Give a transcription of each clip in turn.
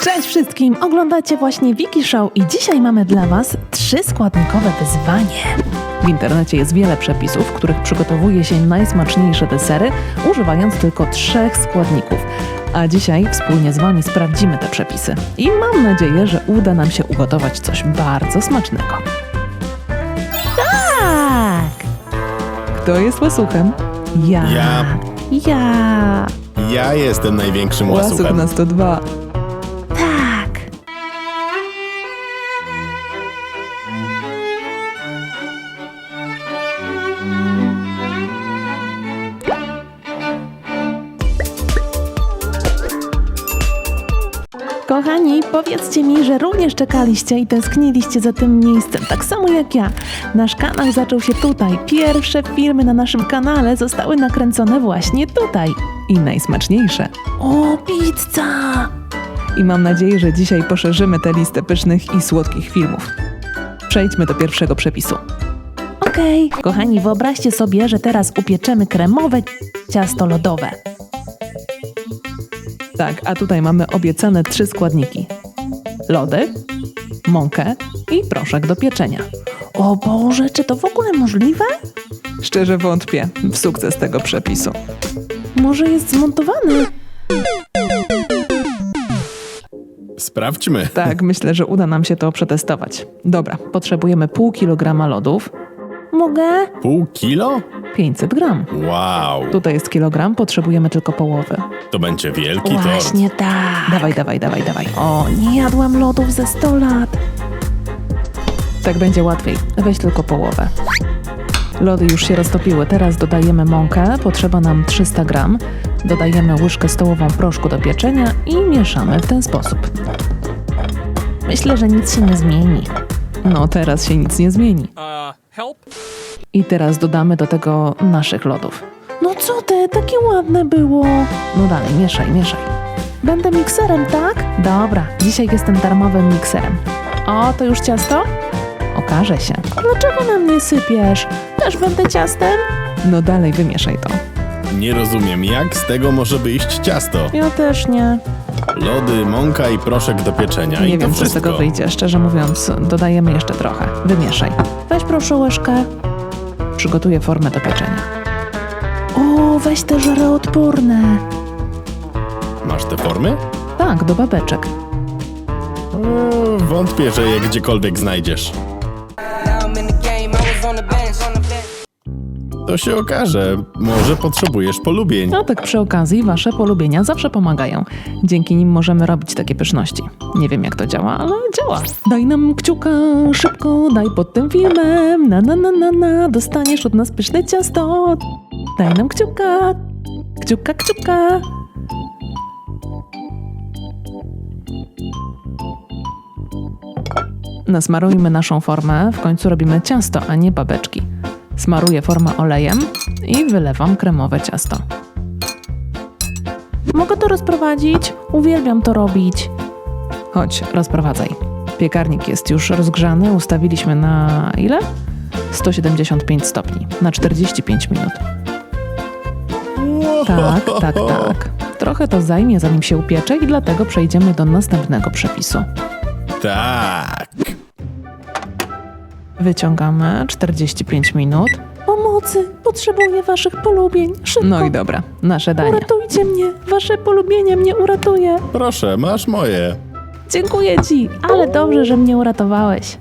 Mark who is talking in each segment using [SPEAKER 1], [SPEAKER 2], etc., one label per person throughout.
[SPEAKER 1] Cześć wszystkim! Oglądacie właśnie Wiki Show i dzisiaj mamy dla Was 3-składnikowe wyzwanie. W internecie jest wiele przepisów, w których przygotowuje się najsmaczniejsze desery, używając tylko 3 składników. A dzisiaj wspólnie z Wami sprawdzimy te przepisy. I mam nadzieję, że uda nam się ugotować coś bardzo smacznego. Tak! Kto jest łasuchem? Ja.
[SPEAKER 2] Ja jestem największym
[SPEAKER 1] Łasuch
[SPEAKER 2] łasuchem.
[SPEAKER 1] na 102. Tak! Kochani, powiedzcie mi, że również czekaliście i tęskniliście za tym miejscem, tak samo jak ja. Nasz kanał zaczął się tutaj. Pierwsze filmy na naszym kanale zostały nakręcone właśnie tutaj. I najsmaczniejsze. O, pizza! I mam nadzieję, że dzisiaj poszerzymy tę listę pysznych i słodkich filmów. Przejdźmy do pierwszego przepisu. Okej. Kochani, wyobraźcie sobie, że teraz upieczemy kremowe ciasto lodowe. Tak, a tutaj mamy obiecane 3 składniki. Lody, mąkę i proszek do pieczenia. O Boże, czy to w ogóle możliwe? Szczerze wątpię w sukces tego przepisu. Może jest zmontowany?
[SPEAKER 2] Sprawdźmy.
[SPEAKER 1] Tak, myślę, że uda nam się to przetestować. Dobra, potrzebujemy pół kilograma lodów. Mogę?
[SPEAKER 2] Pół kilo?
[SPEAKER 1] 500 gram.
[SPEAKER 2] Wow,
[SPEAKER 1] Tutaj jest kilogram, potrzebujemy tylko połowy.
[SPEAKER 2] to będzie wielki tort.
[SPEAKER 1] Właśnie tak. Dawaj. O, nie jadłam lodów ze 100 lat. Tak będzie łatwiej. Weź tylko połowę. Lody już się roztopiły. Teraz dodajemy mąkę. Potrzeba nam 300 gram. Dodajemy łyżkę stołową proszku do pieczenia i mieszamy w ten sposób. Myślę, że nic się nie zmieni. No, teraz się nic nie zmieni.
[SPEAKER 3] Help?
[SPEAKER 1] I teraz dodamy do tego naszych lodów. No co ty, takie ładne było. No dalej, mieszaj. Będę mikserem, tak? Dobra, dzisiaj jestem darmowym mikserem. O, to już ciasto? Okaże się. Dlaczego na mnie sypiesz? Też będę ciastem? No dalej, wymieszaj to.
[SPEAKER 2] Nie rozumiem, jak z tego może wyjść ciasto.
[SPEAKER 1] Ja też nie.
[SPEAKER 2] Lody, mąka i proszek do pieczenia.
[SPEAKER 1] Nie
[SPEAKER 2] I to
[SPEAKER 1] wiem, co z
[SPEAKER 2] wszystko.
[SPEAKER 1] tego wyjdzie. Szczerze mówiąc, dodajemy jeszcze trochę. Wymieszaj. Weź proszę łyżkę. Przygotuję formę do pieczenia. O, weź te żaroodporne.
[SPEAKER 2] Masz te formy?
[SPEAKER 1] Tak, do babeczek.
[SPEAKER 2] Wątpię, że je gdziekolwiek znajdziesz.
[SPEAKER 3] Now I'm in the game, I was on the bench.
[SPEAKER 2] To się okaże. Może potrzebujesz polubień.
[SPEAKER 1] No tak przy okazji, wasze polubienia zawsze pomagają. Dzięki nim możemy robić takie pyszności. Nie wiem jak to działa, ale działa. Daj nam kciuka, szybko, daj pod tym filmem. Na, dostaniesz od nas pyszne ciasto. Daj nam kciuka, kciuka. Nasmarujmy naszą formę, w końcu robimy ciasto, a nie babeczki. Smaruję formę olejem i wylewam kremowe ciasto. Mogę to rozprowadzić? Uwielbiam to robić. Chodź, rozprowadzaj. Piekarnik jest już rozgrzany, ustawiliśmy na ile? 175 stopni, na 45 minut. Tak. Trochę to zajmie, zanim się upiecze i dlatego przejdziemy do następnego przepisu.
[SPEAKER 2] Tak.
[SPEAKER 1] Wyciągamy 45 minut. Pomocy! Potrzebuję waszych polubień. Szybko! No i dobra, nasze danie. Uratujcie mnie! Wasze polubienie mnie uratuje!
[SPEAKER 2] Proszę, masz moje.
[SPEAKER 1] Dziękuję ci, ale dobrze, że mnie uratowałeś.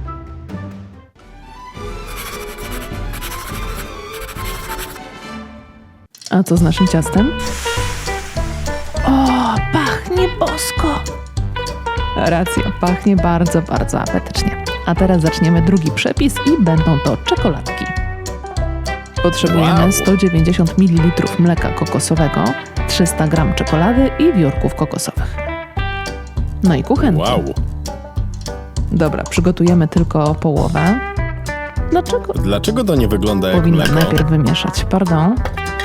[SPEAKER 1] A co z naszym ciastem? O, pachnie bosko! Racja, pachnie bardzo apetycznie. A teraz zaczniemy drugi przepis i będą to czekoladki. Potrzebujemy
[SPEAKER 2] Wow.
[SPEAKER 1] 190 ml mleka kokosowego, 300 g czekolady i wiórków kokosowych. No i kuchenki.
[SPEAKER 2] Wow.
[SPEAKER 1] Dobra, przygotujemy tylko połowę. Dlaczego?
[SPEAKER 2] Dlaczego to nie wygląda jak
[SPEAKER 1] Powinna
[SPEAKER 2] mleko?
[SPEAKER 1] najpierw wymieszać, pardon.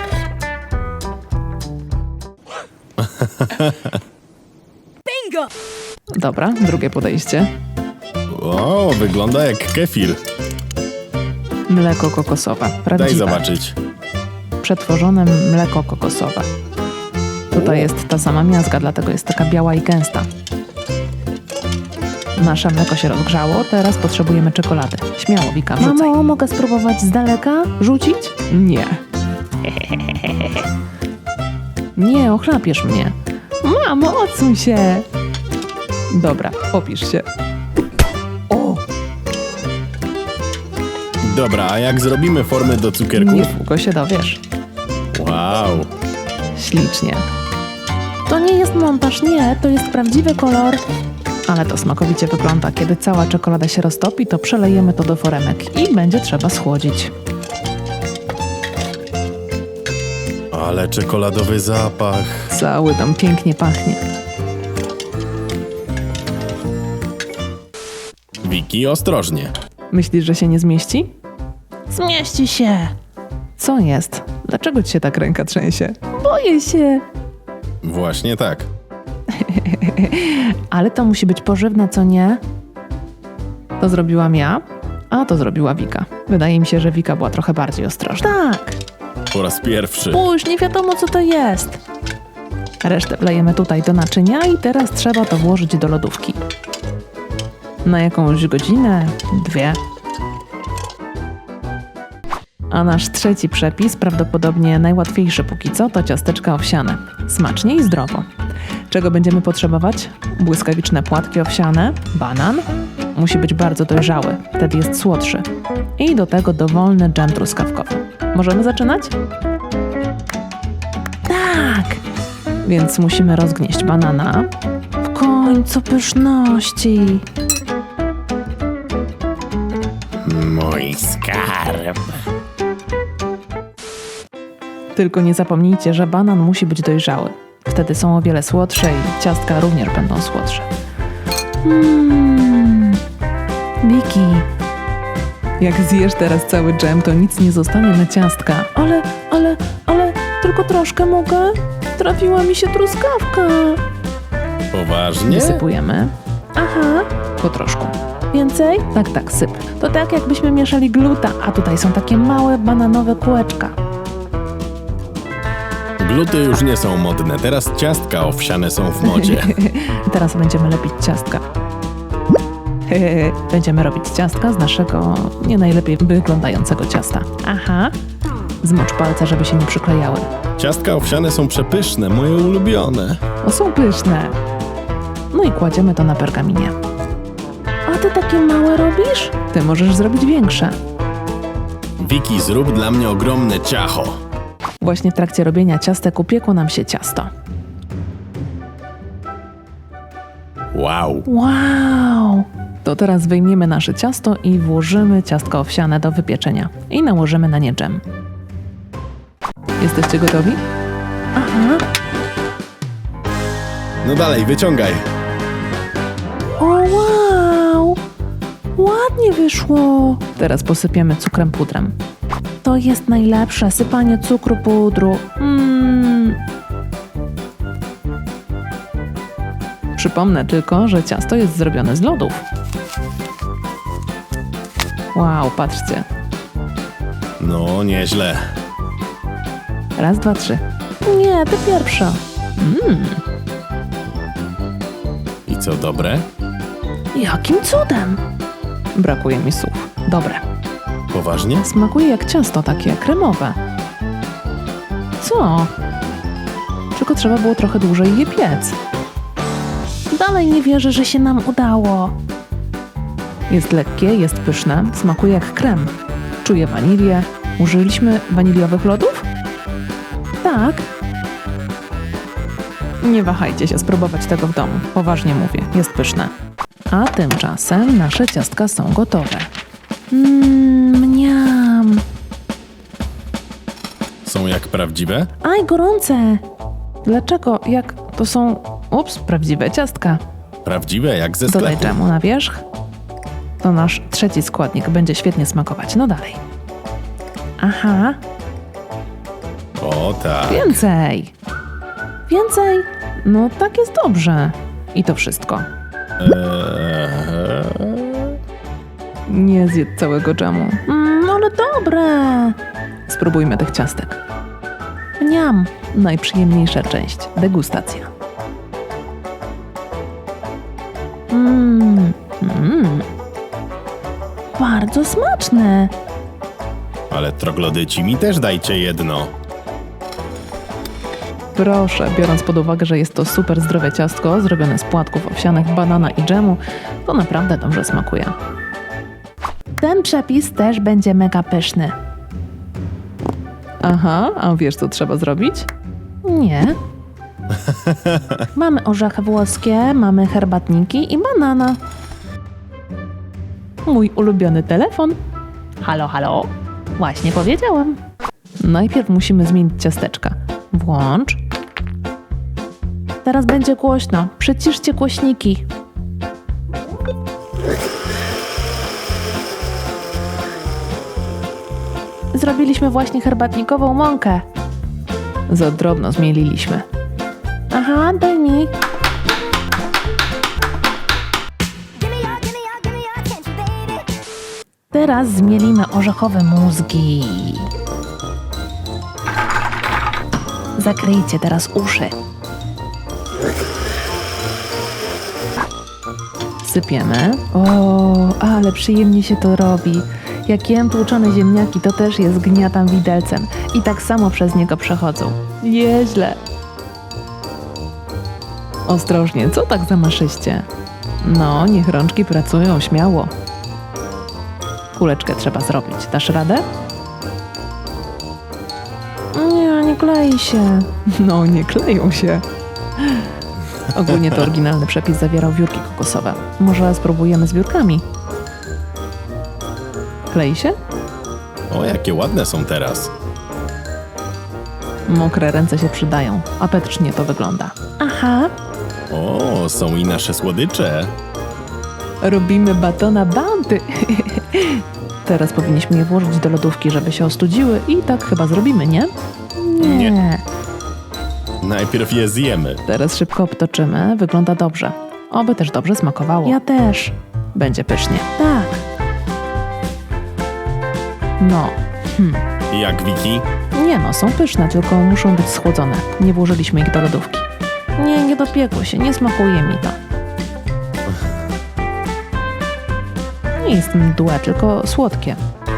[SPEAKER 3] Bingo!
[SPEAKER 1] Dobra, drugie podejście.
[SPEAKER 2] O, wygląda jak kefir.
[SPEAKER 1] Mleko kokosowe, prawdziwe.
[SPEAKER 2] Daj zobaczyć.
[SPEAKER 1] Przetworzone mleko kokosowe. Tutaj jest ta sama miazga, dlatego jest taka biała i gęsta. Nasze mleko się rozgrzało, teraz potrzebujemy czekolady. Śmiało, Wika, wrzucaj. Mamo, mogę spróbować z daleka? Rzucić? Nie. Nie, ochlapiesz mnie. Mamo, odsuń się. Dobra, opisz się. O,
[SPEAKER 2] Dobra, a jak zrobimy formę do cukierków?
[SPEAKER 1] niedługo się dowiesz.
[SPEAKER 2] Wow.
[SPEAKER 1] Ślicznie. To nie jest montaż, nie, to jest prawdziwy kolor. Ale to smakowicie wygląda. Kiedy cała czekolada się roztopi, to przelejemy to do foremek i będzie trzeba schłodzić.
[SPEAKER 2] Ale czekoladowy zapach.
[SPEAKER 1] Cały tam pięknie pachnie.
[SPEAKER 2] Wiki, ostrożnie.
[SPEAKER 1] Myślisz, że się nie zmieści? Zmieści się. Co jest? Dlaczego ci się tak ręka trzęsie? Boję się.
[SPEAKER 2] Właśnie tak.
[SPEAKER 1] Ale to musi być pożywne, co nie? To zrobiłam ja, a to zrobiła Wika. Wydaje mi się, że Wika była trochę bardziej ostrożna. Tak.
[SPEAKER 2] Po raz pierwszy.
[SPEAKER 1] Spójrz, nie wiadomo co to jest. Resztę wlejemy tutaj do naczynia i teraz trzeba to włożyć do lodówki. Na jakąś godzinę, 2. A nasz trzeci przepis, prawdopodobnie najłatwiejszy póki co, to ciasteczka owsiane. Smacznie i zdrowo. Czego będziemy potrzebować? Błyskawiczne płatki owsiane, banan. Musi być bardzo dojrzały, wtedy jest słodszy. I do tego dowolny dżem truskawkowy. Możemy zaczynać? Tak! Więc musimy rozgnieść banana. W końcu pyszności.
[SPEAKER 2] Mój skarb.
[SPEAKER 1] Tylko nie zapomnijcie, że banan musi być dojrzały. Wtedy są o wiele słodsze i ciastka również będą słodsze. Wiki, jak zjesz teraz cały dżem, to nic nie zostanie na ciastka. Ale, tylko troszkę mogę? Trafiła mi się truskawka.
[SPEAKER 2] Poważnie?
[SPEAKER 1] Wysypujemy. Aha, po troszku. Więcej? Tak, syp. To tak jakbyśmy mieszali gluta, a tutaj są takie małe bananowe kółeczka.
[SPEAKER 2] Gluty już nie są modne, teraz ciastka owsiane są w modzie.
[SPEAKER 1] Teraz będziemy lepić ciastka. Będziemy robić ciastka z naszego nie najlepiej wyglądającego ciasta. Aha. Zmocz palce, żeby się nie przyklejały.
[SPEAKER 2] Ciastka owsiane są przepyszne, moje ulubione.
[SPEAKER 1] O, są pyszne. No i kładziemy to na pergaminie. A ty takie małe robisz? Ty możesz zrobić większe.
[SPEAKER 2] Wiki, zrób dla mnie ogromne ciacho.
[SPEAKER 1] Właśnie w trakcie robienia ciastek upiekło nam się ciasto.
[SPEAKER 2] Wow.
[SPEAKER 1] Wow! To teraz wyjmiemy nasze ciasto i włożymy ciastko owsiane do wypieczenia. I nałożymy na nie dżem. Jesteście gotowi? Aha.
[SPEAKER 2] No dalej, wyciągaj.
[SPEAKER 1] O, wow! Ładnie wyszło! Teraz posypiemy cukrem pudrem. To jest najlepsze, sypanie cukru pudru. Przypomnę tylko, że ciasto jest zrobione z lodów. Wow, patrzcie.
[SPEAKER 2] No, nieźle.
[SPEAKER 1] Raz, dwa, trzy. Nie, ty pierwsza.
[SPEAKER 2] I co, dobre?
[SPEAKER 1] Jakim cudem? Brakuje mi słów. Dobre.
[SPEAKER 2] Poważnie?
[SPEAKER 1] Smakuje jak ciasto takie kremowe. Co? Tylko trzeba było trochę dłużej je piec. Dalej nie wierzę, że się nam udało. Jest lekkie, jest pyszne, smakuje jak krem. Czuję wanilię. Użyliśmy waniliowych lodów? Tak. Nie wahajcie się spróbować tego w domu. Poważnie mówię, jest pyszne. A tymczasem nasze ciastka są gotowe. Mniam.
[SPEAKER 2] Są jak prawdziwe?
[SPEAKER 1] Aj, gorące. Dlaczego? Jak to są... Ups, prawdziwe ciastka.
[SPEAKER 2] Prawdziwe jak ze
[SPEAKER 1] Dodaj
[SPEAKER 2] sklepu.
[SPEAKER 1] dżemu na wierzch. To nasz trzeci składnik będzie świetnie smakować. No dalej. Aha,
[SPEAKER 2] O tak.
[SPEAKER 1] więcej. Więcej. No tak jest dobrze. I to wszystko. Nie zjedz całego dżemu. Ale dobre. Spróbujmy tych ciastek. Mniam. Najprzyjemniejsza część. Degustacja. Bardzo smaczne.
[SPEAKER 2] Ale troglodyci mi też dajcie jedno.
[SPEAKER 1] Proszę, biorąc pod uwagę, że jest to super zdrowe ciastko zrobione z płatków owsianych, banana i dżemu, to naprawdę dobrze smakuje. Ten przepis też będzie mega pyszny. Aha, a wiesz co trzeba zrobić? Nie. Mamy orzechy włoskie, mamy herbatniki i banana. Mój ulubiony telefon. Halo, halo. Właśnie powiedziałam. Najpierw musimy zmienić ciasteczka. Włącz. Teraz będzie głośno. Przyciszcie głośniki. Zrobiliśmy właśnie herbatnikową mąkę. Za drobno zmieliliśmy. Aha, daj mi.
[SPEAKER 4] Give me your attention, baby.
[SPEAKER 1] Teraz zmielimy orzechowe mózgi. Zakryjcie teraz uszy. Sypiemy. O, ale przyjemnie się to robi. Jak jem tłuczone ziemniaki, to też je zgniatam widelcem. I tak samo przez niego przechodzą. Nieźle. Ostrożnie, co tak zamaszyście? No, niech rączki pracują śmiało. Kuleczkę trzeba zrobić. Dasz radę? Nie klei się. No, nie kleją się. Ogólnie to oryginalny przepis zawierał wiórki kokosowe. Może spróbujemy z wiórkami? Klei się?
[SPEAKER 2] O, jakie ładne są teraz.
[SPEAKER 1] Mokre ręce się przydają. Apetycznie to wygląda. Aha.
[SPEAKER 2] O, są i nasze słodycze.
[SPEAKER 1] Robimy batona Bounty. Teraz powinniśmy je włożyć do lodówki, żeby się ostudziły i tak chyba zrobimy, nie?
[SPEAKER 2] Nie. Najpierw je zjemy.
[SPEAKER 1] Teraz szybko obtoczymy. Wygląda dobrze. Oby też dobrze smakowało. Ja też. Będzie pysznie. Tak. No.
[SPEAKER 2] Jak, Wiki?
[SPEAKER 1] Nie no, są pyszne, tylko muszą być schłodzone. Nie włożyliśmy ich do lodówki. Nie dopiekło się. Nie smakuje mi to. Nie jest mdłe, tylko słodkie.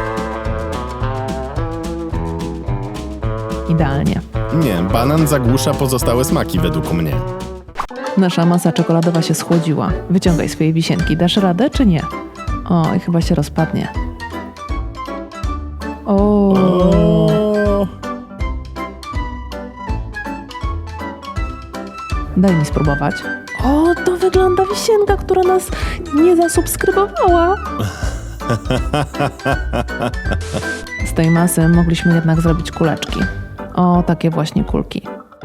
[SPEAKER 1] Idealnie.
[SPEAKER 2] Nie, banan zagłusza pozostałe smaki według mnie.
[SPEAKER 1] Nasza masa czekoladowa się schłodziła. Wyciągaj swoje wisienki. Dasz radę, czy nie? O, i chyba się rozpadnie. O.
[SPEAKER 2] O,
[SPEAKER 1] Daj mi spróbować. O, to wygląda wisienka, która nas nie zasubskrybowała. Z tej masy mogliśmy jednak zrobić kuleczki. O, takie właśnie kulki.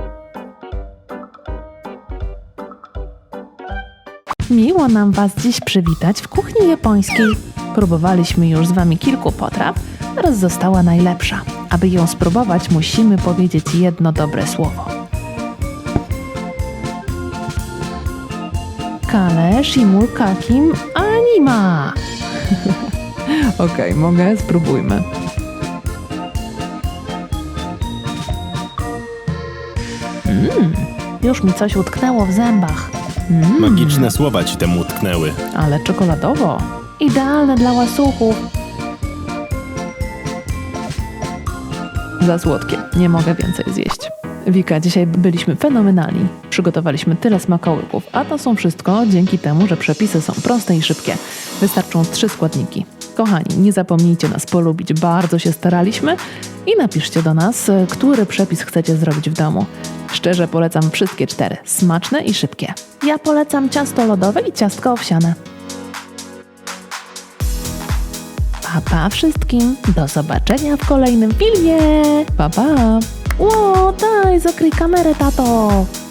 [SPEAKER 1] Miło nam Was dziś przywitać w kuchni japońskiej. Próbowaliśmy już z Wami kilku potraw, teraz została najlepsza. Aby ją spróbować, musimy powiedzieć jedno dobre słowo. Kale shimulkakim anima. Okej, mogę? Spróbujmy. Już mi coś utknęło w zębach.
[SPEAKER 2] magiczne słowa ci temu utknęły.
[SPEAKER 1] Ale czekoladowo. Idealne dla łasuchów. Za słodkie. Nie mogę więcej zjeść. Wika, dzisiaj byliśmy fenomenalni. Przygotowaliśmy tyle smakołyków, a to są wszystko dzięki temu, że przepisy są proste i szybkie. Wystarczą 3 składniki. Kochani, nie zapomnijcie nas polubić, bardzo się staraliśmy i napiszcie do nas, który przepis chcecie zrobić w domu. Szczerze polecam wszystkie 4, smaczne i szybkie. Ja polecam ciasto lodowe i ciastko owsiane. Pa wszystkim, do zobaczenia w kolejnym filmie. Pa! O, daj, zakryj kamerę, tato.